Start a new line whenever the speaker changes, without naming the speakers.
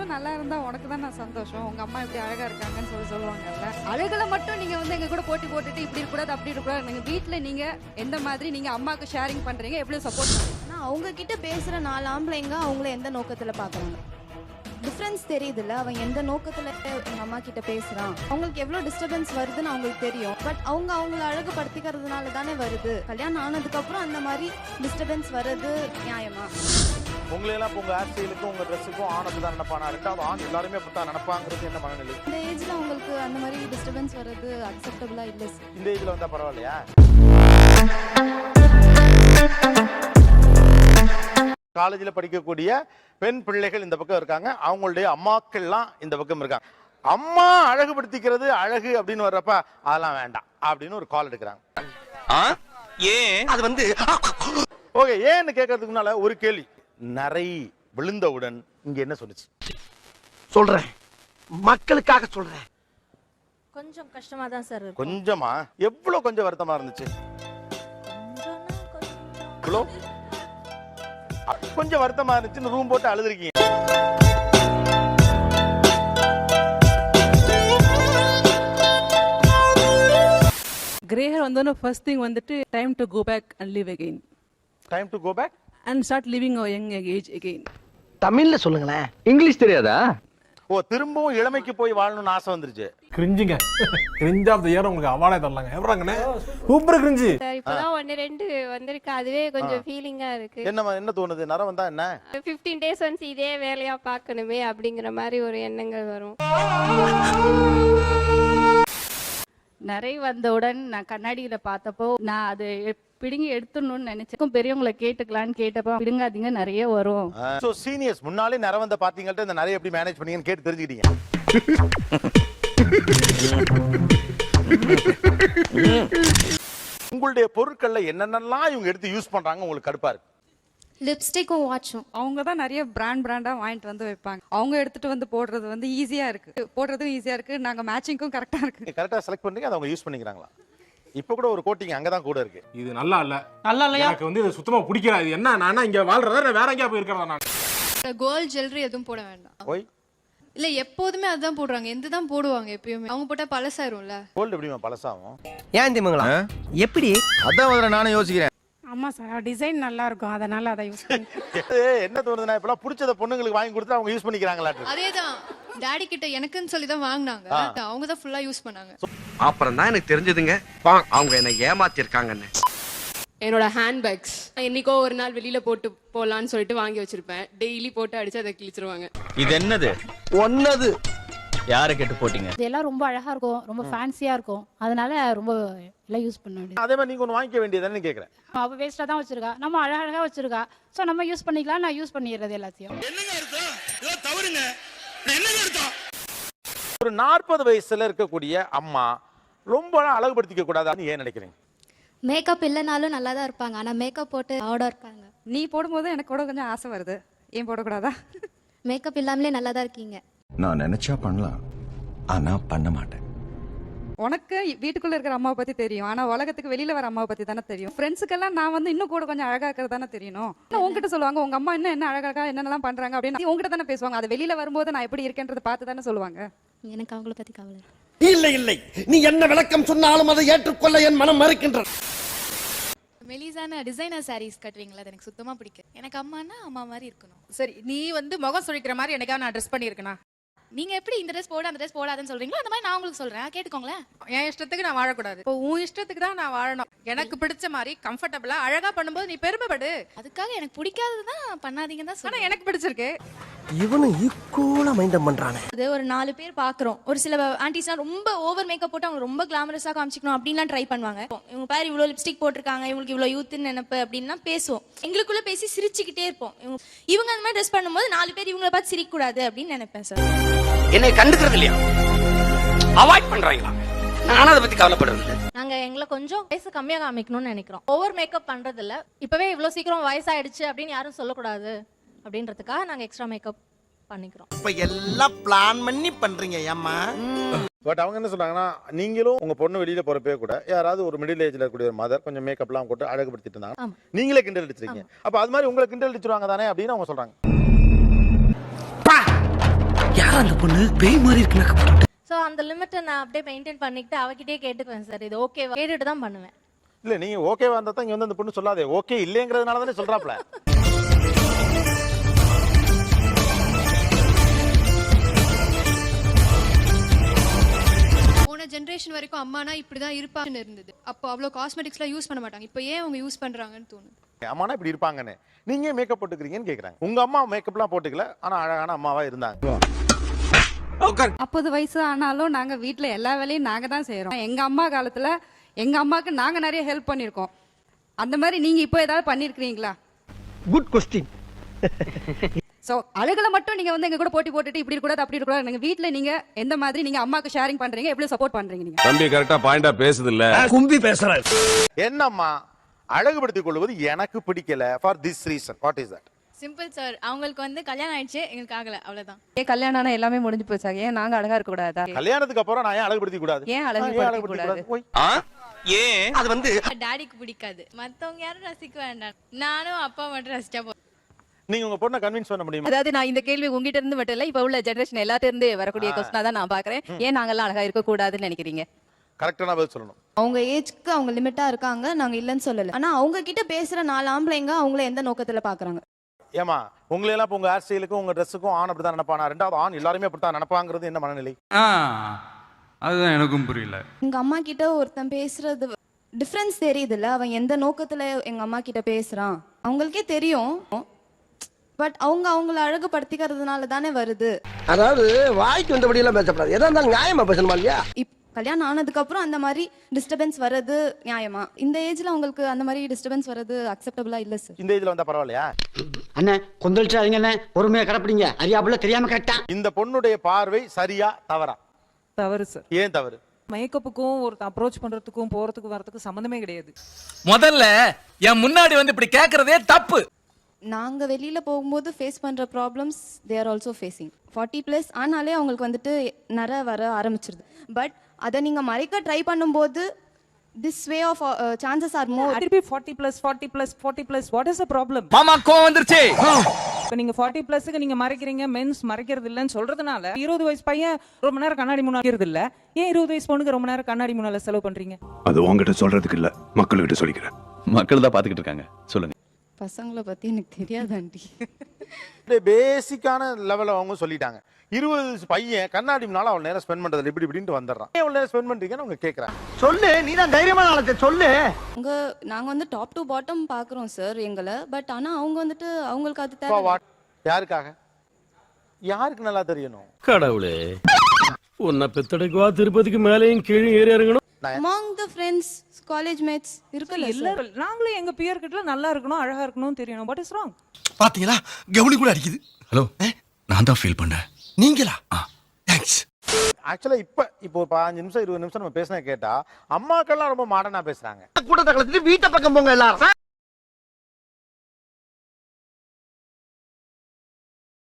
நீங்களும் நல்லா இருந்தா உனக்கு தான் நான் சந்தோஷம். உங்க அம்மா இப்படி அழகா இருக்காங்கன்னு சொல்லுவாங்கல்ல. அழகுல மட்டும் நீங்க வந்து எங்க கூட போட்டி போட்டுட்டு இப்படி இருக்கக்கூடாது அப்படி இருக்கக்கூடாது. நீங்க வீட்டுல நீங்க எந்த மாதிரி நீங்க அம்மாவுக்கு ஷேரிங் பண்றீங்க, எப்படி சப்போர்ட் பண்ணுறீங்க?
ஆனால் அவங்க கிட்ட பேசுற 4 ஆம்பளைங்க அவங்கள எந்த நோக்கத்துல பாக்குறாங்க, டிஃப்ரென்ஸ் தெரியுதுல்ல. அவன் எந்த நோக்கத்துல எங்க அம்மா கிட்ட பேசுறான், அவங்களுக்கு எவ்வளவு டிஸ்டர்பன்ஸ் வருதுன்னு அவங்களுக்கு தெரியும். பட் அவங்க அவங்கள அழகுபடுத்திக்கிறதுனால தானே வருது. கல்யாணம் ஆனதுக்கு அப்புறம் அந்த மாதிரி டிஸ்டர்பன்ஸ் வர்றது நியாயமா?
உங்களையெல்லாம் உங்க ஹேர் ஸ்டைலுக்கும் உங்க ட்ரெஸ்ஸுக்கும் ஆணுக்கு தான் நினைப்பானா, ரெண்டாவது ஆண் எல்லாருமே அப்படித்தான் நினைப்பாங்கிறது என்ன மனநிலை?
இந்த ஏஜ்ல உங்களுக்கு அந்த மாதிரி டிஸ்டர்பன்ஸ் வர்றது அக்செப்டபிளா இல்லை சார்.
இந்த ஏஜ்ல வந்தா பரவாயில்லையா? காலேஜில் படிக்கக்கூடிய பெண் பிள்ளைகள் இந்த பக்கம் இருக்காங்க, அவங்களுடைய அம்மாக்கள்லாம் இந்த பக்கம் இருக்காங்க. அம்மா அழகுபடுத்திக்கிறது அழகு அப்படின்னு வர்றப்ப அதெல்லாம் வேண்டாம் அப்படின்னு ஒரு கால் எடுக்கிறாங்க.
ஏன் அது வந்து
ஓகே, ஏன்னு கேட்கறதுக்கு முன்னால ஒரு கேள்வி. நரை விழுந்தவுடன் இங்க என்ன சொல்லுச்சு?
சொல்றேன், மக்களுக்காக சொல்றேன்.
கொஞ்சம் கஷ்டமா தான் சார் இருக்கு.
கொஞ்சமா? எவ்வளவு கொஞ்சம் வருத்தமா இருந்துச்சு? கொஞ்சம் வருத்தமா இருந்துச்சுன்னு ரூம் போட்டு அழுதுருக்கீங்க.
Grey hair வந்தோன்னு ஃபர்ஸ்ட் திங் வந்துட்டு time to go back and live again.
Time to go back
and start living our young age again.
தமிழ்ல சொல்லுங்களேன். இங்கிலீஷ் தெரியாதா?
ஓ, திரும்பவும் இளமைக்கு போய் வாழணும்னு ஆசை வந்துருச்சு.
கிரிஞ்சுங்க, கிரிஞ்ச் ஆஃப் தி இயர் உங்களுக்கு அவார்டே தரலாங்க. எப்பறாங்கண்ணே சூப்பர் கிரிஞ்சு.
இப்பதான் 1-2 வந்திருக்கு, அதுவே கொஞ்சம் ஃபீலிங்கா இருக்கு.
என்ன தோணுது? நரம் வந்தா என்ன?
15 days ஒன்ஸ் இதே வேலையா பார்க்கணுமே அப்படிங்கிற மாதிரி ஒரு எண்ணங்கள் வரும்.
நிறைய வந்தவுடன் நான் கண்ணாடியில பார்த்தப்போ நான் அது பிடுங்கி எடுத்துடணும்னு நினைச்சேன். பெரியவங்களை கேட்டுக்கலான்னு கேட்டப்போ பிடுங்காதீங்க நிறைய வரும்.
சோ சீனியர்ஸ் முன்னாலே நரம் வந்த பாத்தீங்கள்ட்ட இந்த நிறைய எப்படி மேனேஜ் பண்ணீங்கன்னு கேட்டு தெரிஞ்சுக்கிட்டீங்க. உங்களுடைய பொருட்கள்ல என்னென்னலாம் இவங்க எடுத்து யூஸ் பண்றாங்க உங்களுக்கு கடுப்பா இருக்கு?
லிப்ஸ்டிக்கும் வாட்சும்
அவங்க தான் நிறைய பிராண்டா வாங்கிட்டு வந்து வைப்பாங்க. அவங்க எடுத்துட்டு வந்து போடுறது வந்து ஈஸியா இருக்கு, போடுறதும் ஈஸியா இருக்கு, நாங்க மேட்சிங்கும் கரெக்டா இருக்கு.
கரெக்டா செலக்ட் பண்றீங்க, அதை அவங்க யூஸ் பண்ணிக்கிறாங்களா? இப்ப கூட ஒரு கோட்டிங் அங்கதான் கூட இருக்கு.
இது நல்லா இல்ல,
நல்லா இல்லையா?
எனக்கு வந்து இது சுத்தமா பிடிக்கல. இது என்ன, நான் இங்க வாழ்றதா வேற எங்கேயா போய் இருக்கிறதா? நான்
கோல்ட் ஜுவல்லரி எதுவும் போட வேண்டாம்.
ஓய்,
இல்ல எப்போதுமே அதுதான் போடுறாங்க, எந்ததான் போடுவாங்க எப்பயுமே. அவங்க போட்டா பழசாயிரும்ல.
கோல்டு எப்படிமா பழசாகும்?
ஏன் திமுங்களா? எப்படி?
அதான் முதல்ல நானே யோசிக்கிறேன்.
ஆமா சார், டிசைன் நல்லா இருக்கும், அதனால அதை யூஸ் பண்ணி.
என்ன தோணுதுன்னா இப்பெல்லாம் பிடிச்சத பொண்ணுங்களுக்கு வாங்கி கொடுத்து அவங்க யூஸ் பண்ணிக்கிறாங்களா?
அதேதான் டாடி கிட்ட எனக்குன்னு சொல்லி தான் வாங்கினாங்க, அவங்க தான் ஃபுல்லா யூஸ் பண்ணாங்க.
அப்புறம் தான் எனக்கு தெரிஞ்சதுங்க அவங்க என்ன ஏமாத்திருக்காங்கன்னு.
என்னோட ஹேண்ட்பேக்ஸ் என்னைக்கோ ஒரு நாள் வெளியில போட்டு போலான்னு சொல்லிட்டு வாங்கி வச்சிருப்பேன். டெய்லி போட்டு அடிச்சு அதை கிழிச்சிருவாங்க.
இது என்னது? ஒன்னது யாரை கேட்டு போட்டீங்க?
இதெல்லாம் ரொம்ப அழகா இருக்கும், ரொம்ப ஃபேன்சியா இருக்கும், அதனால ரொம்ப எல்லாம் யூஸ் பண்ண வேண்டியது.
அதே மாதிரி நீங்க ஒன்று வாங்கிக்க வேண்டியதானே கேட்குறேன்.
அவ வேஸ்டா தான் வச்சிருக்கா, நம்ம அழகா வச்சிருக்கா, ஸோ நம்ம யூஸ் பண்ணிக்கலாம். நான் யூஸ் பண்ணிடுறது எல்லாத்தையும்.
ஒரு 40 வயசுல இருக்கக்கூடிய அம்மா ரொம்ப அழகுபடுத்திக்க கூடாதுன்னு ஏன் நினைக்கிறீங்க?
மேக்கப் இல்லைனாலும் நல்லா தான் இருப்பாங்க, ஆனா மேக்கப் போட்டு ஆர்டர் இருக்காங்க.
நீ போடும்போது எனக்கு கூட கொஞ்சம் ஆசை வருது, ஏன் போடக்கூடாதா?
மேக்கப் இல்லாமலே நல்லா தான் இருக்கீங்க.
நான் நினைச்சா பண்ணலாம், ஆனா பண்ண மாட்டேன்.
உனக்கு வீட்டுக்குள்ள இருக்கிற அம்மாவை பத்தி தெரியும், ஆனா உலகத்துக்கு வெளியில வர அம்மாவை பத்தி தானே தெரியும். ஃப்ரெண்ட்ஸுக்கெல்லாம் நான் வந்து இன்னும் கூட கொஞ்சம் அழகா இருக்கிறது தானே தெரியணும். உங்ககிட்ட சொல்லுவாங்க உங்க அம்மா என்ன அழகா என்னென்னலாம் பண்றாங்க அப்படின்னு உங்ககிட்ட தானே பேசுவாங்க. அது வெளியில வரும்போது நான் எப்படி இருக்கேன்றதை பார்த்து தானே சொல்லுவாங்க.
எனக்கு அவங்கள பத்தி கவலை
இல்லை இல்லை, நீ என்ன விளக்கம் சொன்னாலும் அதை ஏற்றுக்கொள்ள என் மனம் மறுக்கின்றது.
மெலிசான டிசைனர் சாரீஸ் கட்டுவீங்களா, அது எனக்கு சுத்தமா பிடிக்கும். எனக்கு அம்மானா அம்மா மாதிரி இருக்கணும்.
சரி, நீ வந்து முகம் சுழிக்கிற மாதிரி எனக்கா நான் ட்ரெஸ் பண்ணியிருக்கேனா?
நீங்க எப்படி இந்த ட்ரெஸ் போட அந்த ட்ரெஸ் போடாதுன்னு சொல்றீங்களோ அந்த மாதிரி நான் உங்களுக்கு சொல்றேன், கேட்டுக்கோங்களேன்.
என் இஷ்டத்துக்கு நான் வாழக்கூடாது, இப்போ உன் இஷ்டத்துக்கு தான் நான் வாழணும். எனக்கு பிடிச்ச மாதிரி கம்ஃபர்டபுளா அழகா பண்ணும்போது நீ பெருமைப்படு.
அதுக்காக எனக்கு பிடிக்காததான் பண்ணாதீங்கன்னு தான்
ஆனா
சொல்றேன்.
எனக்கு பிடிச்சிருக்கு.
இவனும் ஈக்குவலா மைண்டம் பண்றானே.
அது ஒரு 4 பேர் பாக்குறோம். ஒரு சில ஆன்டிஸ்லாம் ரொம்ப ஓவர் மேக்கப் போட்டு அவங்க ரொம்ப கிளாமரஸா காமிச்சிக்கணும் அப்படின்லாம் ட்ரை பண்ணுவாங்க. இவங்க பாரு இவ்வளவு லிப்ஸ்டிக் போட்டிருக்காங்க, இவங்களுக்கு இவ்வளவு யூத்னு நினைப்பு அப்படின்லாம் பேசுவோம். எங்களுக்குள்ள பேசி சிரிச்சுக்கிட்டே இருப்போம். இவங்க அந்த மாதிரி ட்ரெஸ் பண்ணும்போது 4 பேர் இவங்கள பார்த்து சிரிக்க கூடாது அப்படின்னு நினைப்பேன் சார்.
என்னை கண்டுக்கிறது இல்லையா? அவாய்ட் பண்றாங்களா? நானும் அதை பத்தி கவலைப்படுறது.
நாங்க எங்களை கொஞ்சம் வயசு கம்மியா காமிக்கணும்னு நினைக்கிறோம். ஓவர் மேக்கப் பண்றது இல்ல, இப்பவே இவ்வளவு சீக்கிரம் வயசாயிடுச்சு அப்படின்னு யாரும் சொல்லக்கூடாது அப்படின்றதுக்காக நாங்க எக்ஸ்ட்ரா மேக்கப் பண்ணிக்கிறோம்.
இப்ப எல்லாம் பிளான் பண்ணி பண்றீங்க ஏம்மா?
பட் அவங்க என்ன சொல்றாங்கன்னா, நீங்களும் உங்க பொண்ணு வெளியில போறப்பே கூட யாராவது ஒரு மிடில் ஏஜ்ல இருக்கக்கூடிய ஒரு மதர் கொஞ்சம் மேக்கப்லாம் போட்டு அழகுபடுத்திட்டு இருந்தாங்க, நீங்களே கிண்டல் அடிச்சிருக்கீங்க. அப்ப அது மாதிரி உங்களை கிண்டல் அடிச்சிருவாங்க தானே அப்படின்னு அவங்க சொல்றாங்க.
யாரா அந்த பொண்ணு பேய் மாதிரி இருக்கு மேக்கப் போட்டு.
ஸோ அந்த லிமிட்டை நான் அப்படியே மெயின்டைன் பண்ணிட்டு அவகிட்டே கேட்டுக்குவேன் சார், இது ஓகேவா கேட்டுட்டு தான் பண்ணுவேன்.
இல்ல நீங்க ஓகேவா இருந்தா தான் இங்க வந்து அந்த பொண்ணு சொல்லாதே, ஓகே இல்லைங்கிறதுனால தானே சொல்றாப்ல.
போன ஜென்ரேஷன் வரைக்கும் அம்மானா இப்படிதான் இருப்பாங்கன்னு இருந்தது. அப்போ அவ்வளோ காஸ்மெட்டிக்ஸ்லாம் யூஸ் பண்ண மாட்டாங்க. இப்போ ஏன் அவங்க யூஸ் பண்றாங்கன்னு தோணுது.
அம்மானா இப்படி இருப்பாங்கன்னு நீங்க மேக்கப் போட்டுக்கிறீங்கன்னு கேக்குறாங்க. உங்க அம்மா மேக்கப்லாம் போட்டுக்கல, ஆனா அழகான அம்மாவா இருந்தாங்க.
40 வயசு ஆனாலும் நாங்க வீட்ல எல்லா வேலையும் நாங்க தான் செய்யறோம். எங்க அம்மா காலத்துல எங்க அம்மாக்கு நாங்க நிறைய ஹெல்ப் பண்ணிருக்கோம். அந்த மாதிரி நீங்க இப்போ ஏதாவது பண்ணிருக்கீங்களா?
Good question.
சோ அழகுல மட்டும் நீங்க வந்து எங்க கூட போட்டி போட்டுட்டு இப்படி இருக்க கூடாது அப்படி இருக்க கூடாது. நீங்க வீட்ல நீங்க எந்த மாதிரி நீங்க அம்மாக்கு ஷேரிங் பண்றீங்க, எப்படி சப்போர்ட் பண்றீங்க நீங்க?
தம்பி கரெக்டா பாயிண்டா பேசுது இல்ல,
கும்பி பேசுறாரு.
என்னம்மா அழகுபடுத்திக் கொள்வது எனக்கு பிடிக்கல for this reason. What is that?
Simple sir, அவங்களுக்கு வந்து கல்யாணம் ஆயிடுச்சு, எங்களுக்கு ஆகல, அவ்வளவுதான்.
ஏன் கல்யாணம் ஆனா எல்லாமே முடிஞ்சு போச்சா? ஏன் நாங்க அழகா இருக்க கூடாதா?
கல்யாணத்துக்கு அப்புறம் நான் ஏன் அழகுபடுத்திக் கூடாது?
ஏன் அழகுபடுத்திக் கூடாது?
போய்
ஏன் அது வந்து
டாடிக்கு பிடிக்காது, மத்தவங்க யாரும் ரசிக்க வேண்டாம், நானும் அப்பா மட்டும் ரசிச்சா போதும்.
நீங்க உங்க பொண்ணை கன்வின்ஸ் பண்ண முடியுமா?
அதாவது நான் இந்த கேள்வி உங்ககிட்ட இருந்து மட்டும் இல்ல, இப்ப உள்ள ஜெனரேஷன் எல்லாத்துல இருந்து வரக்கூடிய கொஸ்டினா தான் நான் பாக்குறேன். ஏன் நாங்கெல்லாம் அழகா இருக்க கூடாதுன்னு நினைக்கிறீங்க?
கரெக்டான பதில் சொல்லணும்.
அவங்க ஏஜ்க்கு அவங்க லிமிட்டா இருக்காங்க, நாங்க இல்லைன்னு சொல்லல. ஆனா அவங்க கிட்ட பேசுற 4 ஆம்பளைங்க அவங்கள எந்த நோக்கத்துல பாக்குறாங்க?
ஏமா உங்களை எல்லாம் உங்க ஹேர் ஸ்டைலுக்கும் உங்க ட்ரெஸ்ஸுக்கும் ஆண் அப்படிதான் நினைப்பானா? ரெண்டாவது ஆண் எல்லாருமே அப்படித்தான் நினைப்பாங்கிறது என்ன மனநிலை?
அதுதான் எனக்கும் புரியல.
எங்க அம்மா கிட்ட ஒருத்தன் பேசுறது டிஃபரன்ஸ் தெரியுதுல்ல, அவன் எந்த நோக்கத்துல எங்க அம்மா கிட்ட பேசுறான் அவங்களுக்கே தெரியும். பட் அவங்க அவங்கள அழகுபடுத்திக்கிறதுனால தானே வருது.
அதாவது வாய்க்கு வந்தபடி எல்லாம் பேசப்படாது, எதா இருந்தாலும் நியாயமா பேசணுமா இல்லையா?
கல்யாணம் ஆனதுக்கு அப்புறம் அந்த மாதிரி டிஸ்டர்பன்ஸ் வர்றது நியாயமா? இந்த ஏஜ்ல உங்களுக்கு அந்த மாதிரி டிஸ்டர்பன்ஸ் வர்றது அக்செப்டபிளா இல்ல சார்.
இந்த ஏஜ்ல வந்தா பரவாயில்லையா?
அண்ணே கொந்தளிச்சாதீங்க அண்ணே, பொறுமையா கடப்பிடிங்க, அறியாப்புல தெரியாம கரெக்டா.
இந்த பொண்ணுடைய பார்வை சரியா தவறா?
தவறு சார்.
ஏன் தவறு?
மேக்கப்புக்கும் ஒரு அப்ரோச் பண்றதுக்கும் போறதுக்கும் வரதுக்கும் சம்மந்தமே கிடையாது.
முதல்ல என் முன்னாடி வந்து இப்படி கேக்குறதே தப்பு.
நாங்க வெளியில போகும்போது ஃபேஸ் பண்ற problems they are also facing. 40+ ஆனாலே அவங்களுக்கு வந்துட்டு நிறைய வர ஆரம்பிச்சிருது. பட் அதை நீங்க மறைக்க ட்ரை பண்ணும்போது this way of chances are more.
திருப்பி 40+, what is the problem?
மாமா கோவம் வந்துருச்சு.
இப்ப நீங்க 40+க்கு நீங்க மறைக்கிறீங்க, மென்ஸ் மறைக்கிறது இல்லன்னு சொல்றதுனால 20 வயசு பையன் ரொம்ப நேரம் கண்ணாடி முன்னாடி இருக்கிறது இல்ல, ஏன் 20 வயசு பொண்ணுக்கு ரொம்ப நேரம் கண்ணாடி முன்னால செலவு பண்றீங்க?
அது உங்ககிட்ட சொல்றதுக்கு இல்ல, மக்கள்கிட்ட சொல்லிக்கிறேன். மக்கள் தான் பாத்துக்கிட்டு இருக்காங்க, சொல்லுங்க.
பசங்களை பத்தி எனக்கு தெரியாது ஆண்டி.
பேசிக்கான லெவல அவங்க சொல்லிட்டாங்க. 20 வயசு பையன் கண்ணாடி முன்னால அவள் நேரம் ஸ்பெண்ட் பண்றது இப்படி இப்படின்ட்டு வந்துடுறான். எவ்வளவு நேரம் ஸ்பெண்ட் பண்றீங்கன்னு அவங்க கேட்கறாங்க.
சொல்லு, நீ தான் தைரியமான ஆளத்தை சொல்லு.
நாங்க வந்து டாப் டு பாட்டம் பாக்குறோம் சார் எங்களை. பட் ஆனா அவங்க வந்துட்டு அவங்களுக்கு அது
For
தேவை.
what? யாருக்காக? யாருக்கு நல்லா தெரியணும்?
கடவுளே, உன்னை பெத்தடைக்குவா திருப்பதிக்கு மேலேயும் கீழே ஏறி இறங்கணும்.
Among the friends, college mates இருக்குல்ல சார்.
எல்லாரும் நாங்களும் எங்க பியர் கிட்ட நல்லா இருக்கணும், அழகா இருக்கணும் தெரியணும். What is wrong?
பாத்தீங்களா, கவுனி கூட அடிக்குது. ஹலோ, நான் தான் ஃபீல் பண்றேன். நீங்களா? தேங்க்ஸ்.
ஆக்சுவலா இப்போ ஒரு 15 நிமிஷம் 20 நிமிஷம் நம்ம பேசினா கேட்டா அம்மாக்கெல்லாம் ரொம்ப மாடர்னா பேசுறாங்க.
கூட்டத்தை கலந்துட்டு வீட்டை பக்கம் போங்க எல்லாரும்.